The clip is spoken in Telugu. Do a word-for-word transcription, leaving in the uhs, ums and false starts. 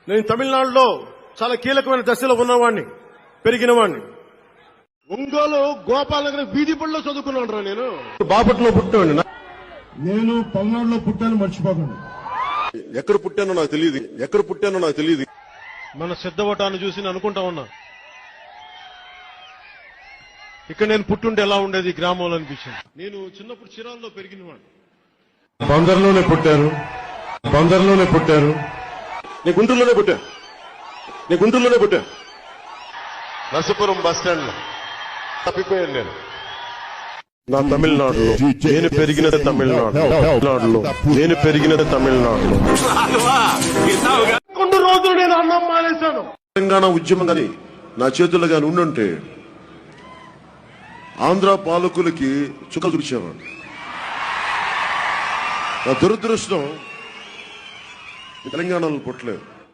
నేను తమిళనాడులో చాలా కీలకమైన దశలో ఉన్నవాడిని, పెరిగిన వాడిని. ఒంగోలు గోపాలనగర్ వీధి పడిలో చదువుకున్నాను రా నేను. బాపట్లో పుట్టాను. నేను పల్నాడులో పుట్టాను, మర్చిపోకండి. ఎక్కడ పుట్టానో నాకు తెలియదు, ఎక్కడ పుట్టానో నాకు తెలియదు. మన సిద్ధవటాన్ని చూసి నేను అనుకుంటా ఉన్నా, ఇక్కడ నేను పుట్టుంటే ఎలా ఉండేది గ్రామంలో అనిపించింది. నేను చిన్నప్పుడు చిరాల్లో పెరిగిన వాడిని. బందర్లోనే పుట్టారు, బందర్లోనే పుట్టారు. నీ గుంటూరులోనే పుట్టా, నీ గుంటూరులోనే పుట్టా. నరసపురం బస్ స్టాండ్ లో తప్పిపోయాను నేను. నా తమిళనాడులో నేను పెరిగినది, తమిళనాడులో తమిళనాడులో నేను పెరిగినది తమిళనాడులో. కొన్ని రోజులు నేను అన్నం మానేశాను. తెలంగాణ ఉద్యమం కానీ నా చేతుల్లో కానీ ఉండుంటే ఆంధ్ర పాలకులకి చుక్కలు చూపించేవాడు. నా దురదృష్టం తెలంగాణలో పుట్టలేదు.